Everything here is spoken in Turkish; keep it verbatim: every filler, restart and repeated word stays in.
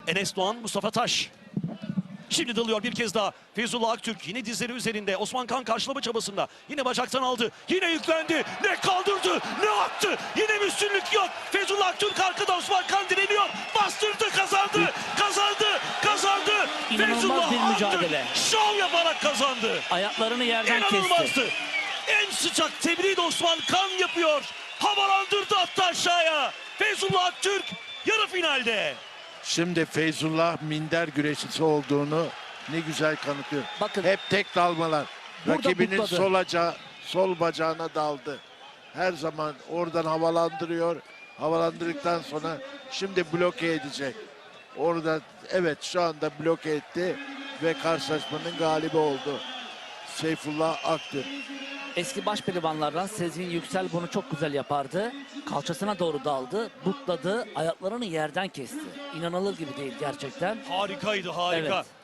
Enes Doğan, Mustafa Taş. Şimdi dalıyor bir kez daha. Feyzullah Aktürk yine dizleri üzerinde. Osman Kan karşılama çabasında. Yine bacaktan aldı. Yine yüklendi. Ne kaldırdı, ne attı. Yine bir üstünlük yok. Feyzullah Aktürk arkada, Osman Kan direniyor. Bastırdı, kazandı. Kazandı, kazandı. İnanılmaz Feyzullah bir mücadele. Aktürk şov yaparak kazandı. Ayaklarını yerden kesti. İnanılmazdı. En sıcak tebriği de Osman Kan yapıyor. Havalandırdı, attı aşağıya. Feyzullah Aktürk yarı finalde. Şimdi Feyzullah minder güreşçisi olduğunu ne güzel kanıtlıyor. Bakın. Hep tek dalmalar. Burada Rakibinin butladı. sol, aca, sol bacağına daldı. Her zaman oradan havalandırıyor. Havalandırdıktan sonra şimdi bloke edecek. Orada evet şu anda bloke etti ve karşılaşmanın galibi oldu. Seyfullah Aktürk. Eski baş pehlivanlardan Sezgin Yüksel bunu çok güzel yapardı. Kalçasına doğru daldı, butladı, ayaklarını yerden kesti. İnanılır gibi değil gerçekten. Harikaydı, harika. Evet.